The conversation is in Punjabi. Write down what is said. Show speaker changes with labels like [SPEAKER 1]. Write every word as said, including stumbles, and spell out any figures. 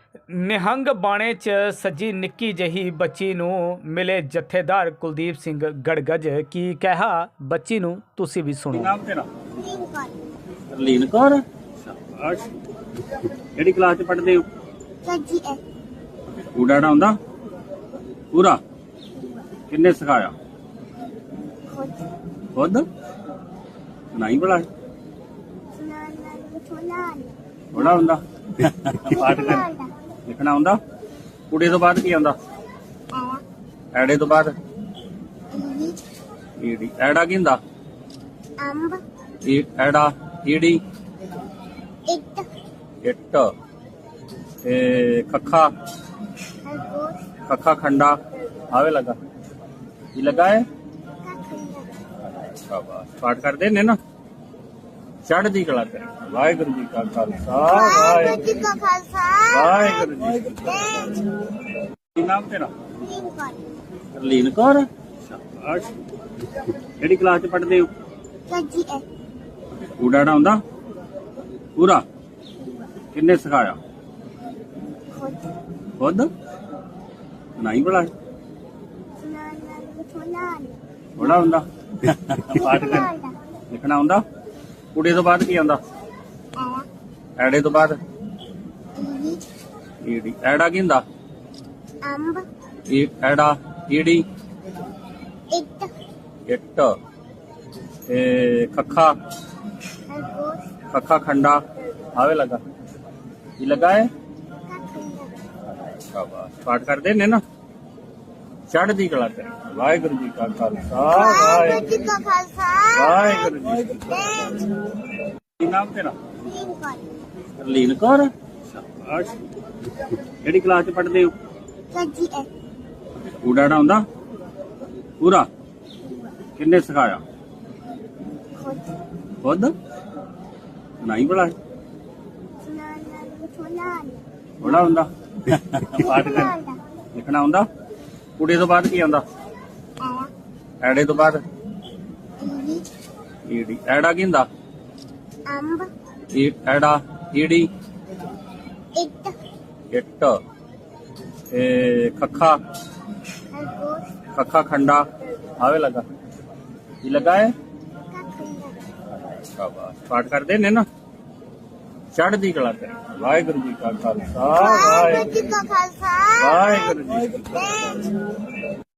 [SPEAKER 1] ਨਿਹੰਗ ਬਾਣੇ 'ਚ ਸੱਜੀ ਨਿੱਕੀ ਜਿਹੀ ਬੱਚੀ ਨੂੰ ਮਿਲੇ ਜਥੇਦਾਰ ਕੁਲਦੀਪ ਸਿੰਘ ਗੜਗੜ। ਕੀ ਕਿਹਾ ਬੱਚੀ ਨੂੰ, ਤੁਸੀਂ ਵੀ ਸੁਣੋ।
[SPEAKER 2] ਨਾਮ ਤੇਰਾ? ਰਲੀਨ ਕੌਰ। ਸ਼ਾਬਾਸ਼। ਕਿਹੜੀ ਕਲਾਸ ਚ ਪੜ੍ਹਦੇ ਹੋ?
[SPEAKER 3] ਜੀ ਐ
[SPEAKER 2] ਕੂੜਾ ਆਉਂਦਾ ਪੂਰਾ? ਕਿੰਨੇ ਸਿਖਾਇਆ?
[SPEAKER 3] ਖੁਦ
[SPEAKER 2] ਖੁਦ ਨਹੀਂ ਬੜਾ
[SPEAKER 3] ਸੁਣਾਉਣਾ ਸੁਣਾਉਣਾ
[SPEAKER 2] ਬੜਾ ਹੁੰਦਾ। ਪਾਠ ਕਰ ਲਿਖਣਾ ਹੁੰਦਾ? ਕੁੜੇ ਤੋਂ ਬਾਅਦ ਕੀ ਆਉਂਦਾ?
[SPEAKER 3] ਆ
[SPEAKER 2] ਐੜੇ ਤੋਂ ਬਾਅਦ
[SPEAKER 3] ਈ
[SPEAKER 2] ਈੜੀ। ਐੜਾ ਕੀ ਹੁੰਦਾ?
[SPEAKER 3] ਅੰਬ
[SPEAKER 2] ਈ ਐੜਾ ਈੜੀ
[SPEAKER 3] ਇੱਟ
[SPEAKER 2] ਇੱਟ ਤੇ ਖੱਖਾ
[SPEAKER 3] ਖਰਗੋਸ਼
[SPEAKER 2] ਖੱਖਾ ਖੰਡਾ ਆਵੇ ਲੱਗਾ। ਕੀ ਲੱਗਾ ਹੈ?
[SPEAKER 3] ਕਾਖੰਡਾ
[SPEAKER 2] ਸ਼ਾਬਾਸ਼। ਪਾਠ ਕਰਦੇ ਨੇ ਨਾ? ਚੜ੍ਹਦੀ ਕਲਾ ਕਰੇ। ਵਾਹਿਗੁਰੂ ਜੀ ਕਾ ਖਾਲਸਾ ਵਾਹਿਗੁਰੂ ਜੀ
[SPEAKER 3] ਵਾਹਿਗੁਰੂ ਜੀ ਕਾ ਖਾਲਸਾ
[SPEAKER 2] ਵਾਹਿਗੁਰੂ ਜੀ ਕੀ ਫਤਿਹ। ਕੀ ਨਾਮ ਤੇਰਾ?
[SPEAKER 3] ਲਿੰਕਨ
[SPEAKER 2] ਰਲੀਨ ਕੌਰ। ਸ਼ਾਬਾਸ਼। ਕਿਹੜੀ ਕਲਾਸ ਚ ਪੜ੍ਹਦੇ ਹੋ?
[SPEAKER 3] ਜੀ ਐ
[SPEAKER 2] ਕੂੜਾ ਆਉਂਦਾ ਪੂਰਾ? ਕਿੰਨੇ ਸਿਖਾਇਆ?
[SPEAKER 3] ਖੁਦ
[SPEAKER 2] ਖੁਦ ਨਹੀਂ ਬੜਾ
[SPEAKER 3] ਸੁਣਾਉਣਾ ਸੁਣਾਉਣਾ
[SPEAKER 2] ਬੜਾ ਹੁੰਦਾ। ਪਾਠ ਕਰ ਲਿਖਣਾ ਹੁੰਦਾ? ਕੁੜੇ ਤੋਂ ਬਾਅਦ ਕੀ ਆਉਂਦਾ?
[SPEAKER 3] ਆ
[SPEAKER 2] ਐੜੇ ਤੋਂ ਬਾਅਦ
[SPEAKER 3] ਈ
[SPEAKER 2] ਈੜੀ। ਐੜਾ ਕੀ ਹੁੰਦਾ?
[SPEAKER 3] ਅੰਬ
[SPEAKER 2] ਈ ਐੜਾ ਈੜੀ
[SPEAKER 3] ਇੱਟ
[SPEAKER 2] ਇੱਟ ਤੇ ਖੱਖਾ
[SPEAKER 3] ਖਰਗੋਸ਼
[SPEAKER 2] ਖੱਖਾ ਖੰਡਾ ਆਵੇ ਲੱਗਾ। ਕੀ ਲੱਗਾ ਹੈ?
[SPEAKER 3] ਕਾਖੰਡਾ
[SPEAKER 2] ਸ਼ਾਬਾਸ਼। ਪਾਠ ਕਰਦੇ ਨੇ ਨਾ? ਚੜ੍ਹਦੀ ਕਲਾ ਕਰੇ। ਵਾਹਿਗੁਰੂ ਜੀ ਕਾ ਖਾਲਸਾ
[SPEAKER 3] ਵਾਹਿਗੁਰੂ ਜੀ
[SPEAKER 2] ਵਾਹਿਗੁਰੂ
[SPEAKER 3] ਕਾ ਖਾਲਸਾ
[SPEAKER 2] ਵਾਹਿਗੁਰੂ ਜੀ ਕੀ ਫਤਿਹ। ਕੀ ਨਾਮ ਤੇਰਾ?
[SPEAKER 3] ਲਿੰਕਨ
[SPEAKER 2] ਰਲੀਨ ਕੌਰ। ਸ਼ਾਬਾਸ਼। ਕਿਹੜੀ ਕਲਾਸ ਚ ਪੜ੍ਹਦੇ ਹੋ?
[SPEAKER 3] ਜੀ ਐ
[SPEAKER 2] ਕੂੜਾ ਆਉਂਦਾ ਪੂਰਾ? ਕਿੰਨੇ ਸਿਖਾਇਆ?
[SPEAKER 3] ਖੁਦ
[SPEAKER 2] ਖੁਦ ਨਹੀਂ ਬੜਾ
[SPEAKER 3] ਸੁਣਾਉਣਾ ਸੁਣਾਉਣਾ
[SPEAKER 2] ਬੜਾ ਹੁੰਦਾ। ਪਾਠ ਕਰ ਲਿਖਣਾ ਹੁੰਦਾ? ਕੁੜੇ ਤੋਂ ਬਾਅਦ ਕੀ ਆਉਂਦਾ?
[SPEAKER 3] ਆ
[SPEAKER 2] ਐੜੇ ਤੋਂ ਬਾਅਦ
[SPEAKER 3] ਈ
[SPEAKER 2] ਈੜੀ। ਐੜਾ ਕੀ ਹੁੰਦਾ?
[SPEAKER 3] ਅੰਬ
[SPEAKER 2] ਈ ਐੜਾ ਈੜੀ
[SPEAKER 3] ਇੱਟ
[SPEAKER 2] ਇੱਟ ਤੇ ਖੱਖਾ
[SPEAKER 3] ਖਰਗੋਸ਼
[SPEAKER 2] ਖੱਖਾ ਖੰਡਾ ਆਵੇ ਲੱਗਾ। ਕੀ ਲੱਗਾ ਹੈ?
[SPEAKER 3] ਕਾਖੰਡਾ
[SPEAKER 2] ਸ਼ਾਬਾਸ਼। ਪਾਠ ਕਰਦੇ ਨੇ ਨਾ? ਚੜ੍ਹਦੀ ਕਲਾ ਕਰੇ। ਵਾਹਿਗੁਰੂ ਜੀ ਕਾ ਖਾਲਸਾ
[SPEAKER 3] ਵਾਹਿਗੁਰੂ
[SPEAKER 2] ਵਾਹਿਗੁਰੂ
[SPEAKER 3] ਜੀ ਕਾ ਖਾਲਸਾ
[SPEAKER 2] ਵਾਹਿਗੁਰੂ ਜੀ ਕੀ ਫਤਿਹ।
[SPEAKER 3] ਵਾਹਿਗੁਰੂ